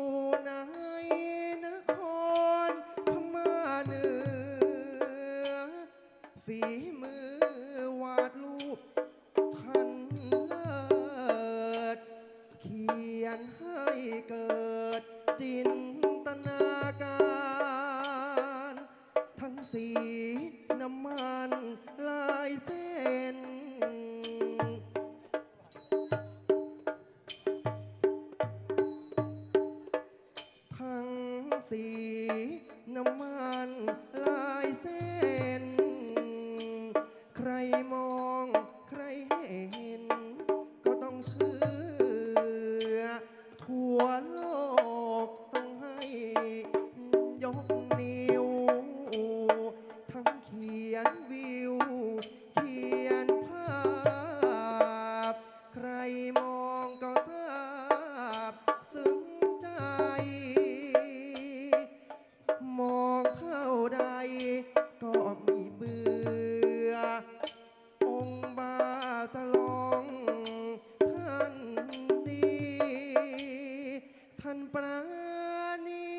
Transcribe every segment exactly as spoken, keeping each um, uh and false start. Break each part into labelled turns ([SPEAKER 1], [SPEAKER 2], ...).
[SPEAKER 1] ในนครพม่าเหนือฝีมือวาดรูปท่านเลิศเขียนให้เกิดจินตนาการทั้งสีน้ำมันลายเส้นทั้งสีน้ำมันลายเส้นใครมองใครเห็นก็ต้องเชื่อทั่วโลกต้องให้ยกนิ้วทั้งเขียนวิวเขียนภาพใครมองก็ทราบซึ้งใจมองเท่าใดก็ไม่เบื่อองค์บาสลองท่านดีท่านปราณี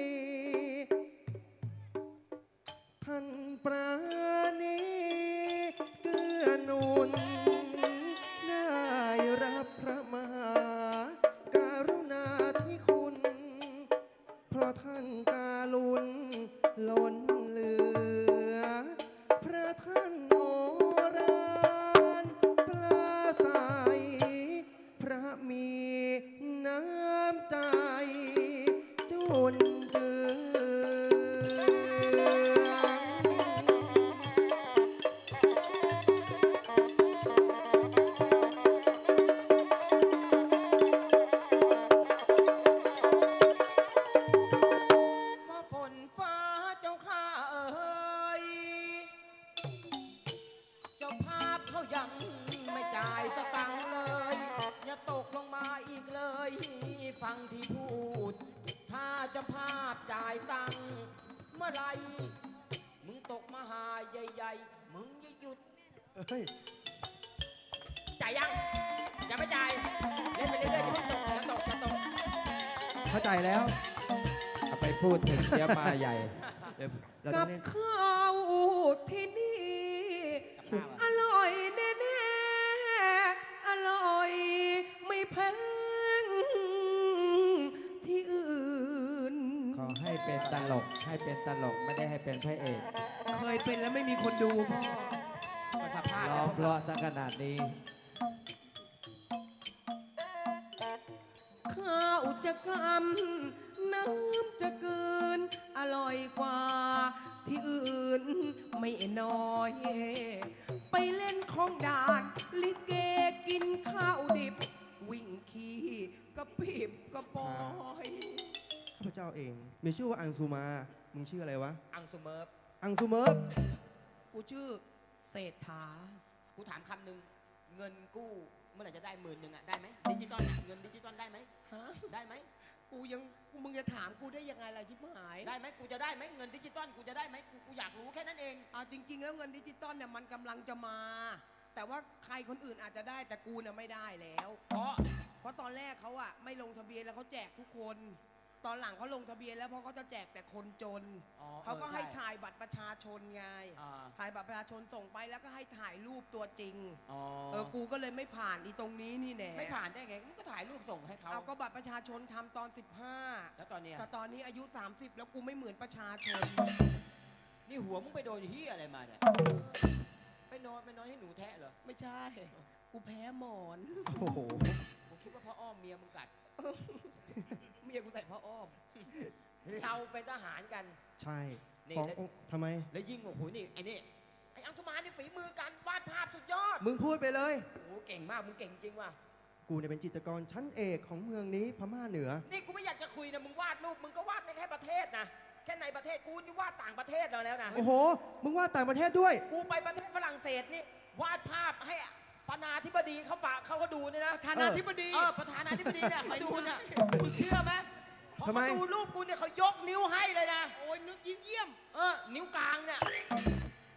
[SPEAKER 1] ท่านปราณีเกื้อหนุนได้รับพระมหากรุณาธิคุณ เพราะท่านการุณล้นเหลือ พระท่านโอรานปลาใส พระมีน้ำใจจุนเจื
[SPEAKER 2] ว่าฝนฟ้าเจ้าข้าเอ๋ยเจ้าภาพเขายังไม่จ่ายสตังค์เลย อย่าตกลงมาอีกเลย ฟังที่พูด ถ้าเจ้าภาพจ่ายตังค์เมื่อไหรมึงตกมาหาใหญ่ๆ มึงอย่าหยุด
[SPEAKER 1] เฮ้ย
[SPEAKER 2] จ่ายยังยังไม่จ่ายเล่นไปเรื่อยๆอย่าเพิ่งตกอย่าตกอย่าตก
[SPEAKER 1] เข้าใจแล้ว
[SPEAKER 3] เอาไปพูดถึงเสียมาใหญ่
[SPEAKER 1] เดี๋ยวเราต้
[SPEAKER 4] กั
[SPEAKER 1] อง
[SPEAKER 4] บ
[SPEAKER 1] เล่น
[SPEAKER 4] ข้าวที่นี่ อร่อยแน่ๆ อร่อยไม่แพงที่อื่น
[SPEAKER 3] ขอให้เป็นตลก ให้เป็นตลกไม่ได้ให้เป็นพระเอก
[SPEAKER 4] เคยเป็นแล้วไม่มีคนดูพ่อ
[SPEAKER 2] ก็สภาพ
[SPEAKER 3] ร้องเพราะซะขนาดนี้
[SPEAKER 4] ข้าวจะกำน้ำจะเกิน อร่อยกว่าที่อื่นไม่น้อย ไปเล่นของด่าน ลิเกกินข้าวดิบ วิ่งขี่กระปิบกระปอย
[SPEAKER 1] ข้าพเจ้าเอง มีชื่อว่าอังสุมา มึงชื่ออะไรวะ
[SPEAKER 2] อังสุเมิร์ฟ
[SPEAKER 1] อังสุเมิร์ฟ
[SPEAKER 4] กูชื่อเศรษฐา
[SPEAKER 2] กูถามคำหนึ่งเงินกู้เมื่อไหร่จะได้หมื่นหนึ่งอ่ะได้ไหมดิจิตอลน่ะเงินดิจิตอลได้ไหม
[SPEAKER 4] ฮะ
[SPEAKER 2] ได้ไหม
[SPEAKER 4] กูยังกูมึงจะถามกูได้ยังไงล่ะชิบหาย
[SPEAKER 2] ได้ไหมกูจะได้ไหมเงินดิจิตอลกูจะได้ไหมกูกูอยากรู้แค่นั้นเอง
[SPEAKER 4] อ่าจริง ๆ แล้วเงินดิจิตอลเนี่ยมันกำลังจะมา แต่ว่าใครคนอื่นอาจจะได้แต่กูเนี่ยไม่ได้แล้ว
[SPEAKER 2] เพราะ
[SPEAKER 4] เพราะตอนแรกเขาอะไม่ลงทะเบียนแล้วเขาแจกทุกคน ตอนหลังเขาลงทะเบียนแล้วเพราะเขาจะแจกแต่คนจน
[SPEAKER 2] อ๋อ
[SPEAKER 4] เขาก็ให้
[SPEAKER 2] ออช่
[SPEAKER 4] ถ่ายบัตรประชาชนไง
[SPEAKER 2] อ่า
[SPEAKER 4] ถ่ายบัตรประชาชนส่งไปแล้วก็ให้ถ่ายรูปตัวจริง
[SPEAKER 2] อ๋อ
[SPEAKER 4] เออ กูก็เลยไม่ผ่านอีตรงนี้นี่แน่
[SPEAKER 2] ไม่ผ่านได้ไงมึงก็ถ่ายรูปส่งให้เขา
[SPEAKER 4] เอาก็บัตรประชาชนทำตอน สิบห้า
[SPEAKER 2] แล้วตอนเนี้ย
[SPEAKER 4] แต่ตอนนี้อายุ สามสิบ แล้วกูไม่เหมือนประชาชน
[SPEAKER 2] นี่หัวมึงไปโดนเฮียอะไรมาเนี่ยไปนอนไปนอนให้หนูแทะเหรอ
[SPEAKER 4] ไม่ใช่ กูแพ้หมอน
[SPEAKER 1] โอ้โห
[SPEAKER 2] ผมคิดว่าพ่ออ้อมเมียมึงกัด
[SPEAKER 4] เมียกูใส่ผ้าอ้อม
[SPEAKER 2] เราเป็นทหารกัน
[SPEAKER 1] ใช่
[SPEAKER 2] นี่
[SPEAKER 1] ของ
[SPEAKER 2] แล้ว
[SPEAKER 1] องค์ทำไม
[SPEAKER 2] แล้วยิ่งโอ้โหนี่ไอ้นี่ไอ้อังสุมานี่ฝีมือการวาดภาพสุดยอด
[SPEAKER 1] มึงพูดไปเลย
[SPEAKER 2] โอ้โหเก่งมากมึงเก่งจริงว่ะ
[SPEAKER 1] กูเนี่ยเป็นจิตรกรชั้นเอกของเมืองนี้พม่าเหนือ
[SPEAKER 2] นี่กูไม่อยากจะคุยนะมึงวาดรูปมึงก็วาดในแค่ประเทศนะแค่ในประเทศกูนี่วาดต่างประเทศเราแล้วนะ
[SPEAKER 1] โอ้โห มึงว่าต่างประเทศด้วย
[SPEAKER 2] กูไปประเทศฝรั่งเศสนี่วาดภาพให้ประธานาธิบดีเขาฝากเขาก็ดูเนี่ยนะ
[SPEAKER 4] ประธานาธิบดี
[SPEAKER 2] เออประธานาธิบดีเนี่ยเขาดูเนี่ยมึงเชื่อไหมพอ
[SPEAKER 1] ทำไม
[SPEAKER 2] เขาดูรูปกูเนี่ยเขายกนิ้วให้เลยนะ
[SPEAKER 4] โอ้ยนึกยิ้มเยี่ยม
[SPEAKER 2] เออนิ้วกลางเนี่ย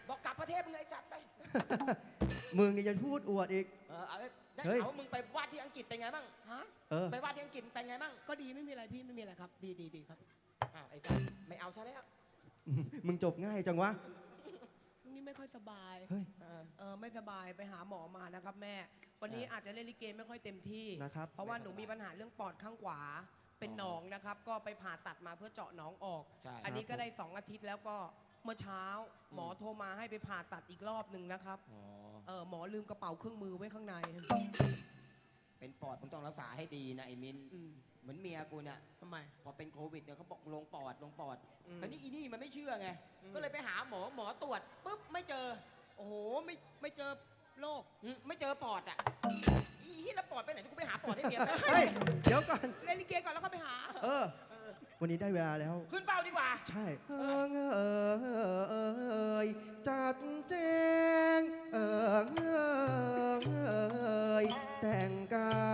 [SPEAKER 2] บอกกลับประเทศมึงไอ้จัดไป
[SPEAKER 1] มึงนี่จะพูดอวดอีก
[SPEAKER 2] เออเอาได้
[SPEAKER 1] เฮ้ย
[SPEAKER 2] ข่าวว่ามึงไปวาดที่อังกฤษเป็นไงบ้าง
[SPEAKER 4] ฮะ
[SPEAKER 1] เออ
[SPEAKER 2] ไปวาดที่อังกฤษเป็นไงบ้าง
[SPEAKER 4] ก็ดีไม่มีอะไรพี่ไม่มีอะไรครับ ดีดีดีครับ
[SPEAKER 2] อ้าวไอ้จัดไม่เอาซะแล้ว
[SPEAKER 1] มึงจบง่ายจังวะ
[SPEAKER 4] นี่ไม่ค่อยสบาย
[SPEAKER 1] เฮ้ย
[SPEAKER 2] เออ
[SPEAKER 4] เออไม่สบายไปหาหมอมานะครับแม่ วันนี้
[SPEAKER 2] เอออ
[SPEAKER 4] อาจจะเล่นลิเกไม่ค่อยเต็มที่
[SPEAKER 1] นะครับ
[SPEAKER 4] เพราะว่าหนูมีปัญหาเรื่องปอดข้างขวา เป็นหนองนะครับ ก็ไปผ่าตัดมาเพื่อเจาะหนองออก
[SPEAKER 2] ใช่
[SPEAKER 4] อันนี้ก็ได้สองอาทิตย์แล้วก็เมื่อเช้า หมอโทรมาให้ไปผ่าตัดอีกรอบหนึ่งนะครับ
[SPEAKER 2] อ๋อ
[SPEAKER 4] เออหมอลืมกระเป๋าเครื่องมือไว้ข้างใน
[SPEAKER 2] เป็นปอดมึงต้องรักษาให้ดีนะไอ้มิน
[SPEAKER 4] อืม
[SPEAKER 2] เหมือนเมียกูเนี่ย
[SPEAKER 4] ทำไม
[SPEAKER 2] พอเป็นโควิดเนี่ยเขาบอกลงปอดลงปอด
[SPEAKER 4] อืม
[SPEAKER 2] คราวนี้อีนี่มันไม่เชื่อไง
[SPEAKER 4] อืม
[SPEAKER 2] ก็เลยไปหาหมอหมอตรวจปุ๊บไม่เจอ
[SPEAKER 4] โอ้โหไม่ไม่เจอโรค
[SPEAKER 2] อืมไม่เจอปอดอ่ะอีที่แล้วปอดไปไหนกูไปหาปอดให้เมียไป
[SPEAKER 1] เฮ้ย เดี๋ยวก่อน
[SPEAKER 4] เล่นลิเกก่อนแล้วก็ไปหา
[SPEAKER 1] เออ
[SPEAKER 2] เออ
[SPEAKER 1] วันนี้ได้เวลาแล้ว
[SPEAKER 2] ขึ้นเฝ้าดีกว่า
[SPEAKER 1] ใช่เอิงเอยจัดแจงเอิงเอยแต่งกาย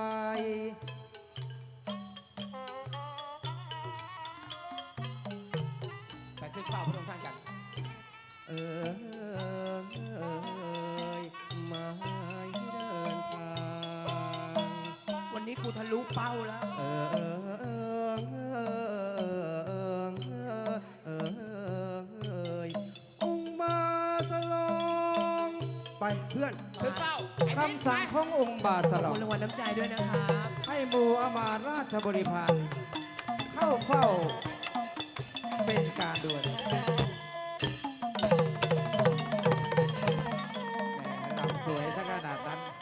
[SPEAKER 2] ไปขึ้นเฝ้าพระองค์ท่านกัน
[SPEAKER 1] เอิงเอยมาให้เดินทาง
[SPEAKER 4] วันนี้กูทะลุเป้าแล้ว
[SPEAKER 1] เอิงเอยเอิงเอยองค์มาสลองไปเพื่อน
[SPEAKER 2] ขึ้นเฝ้าไอ้มิ้น
[SPEAKER 3] คำสั่งขององค์บาส
[SPEAKER 4] ขอบ
[SPEAKER 3] ลอ
[SPEAKER 4] คุ
[SPEAKER 3] ง
[SPEAKER 4] ณรางวัลน้ำใจด้วยนะครับ
[SPEAKER 3] ให้หมูอามาตย์ราชบริพารเข้าเฝ้าเป็นการด่วนแหมลำสวยซะขนาดนั้น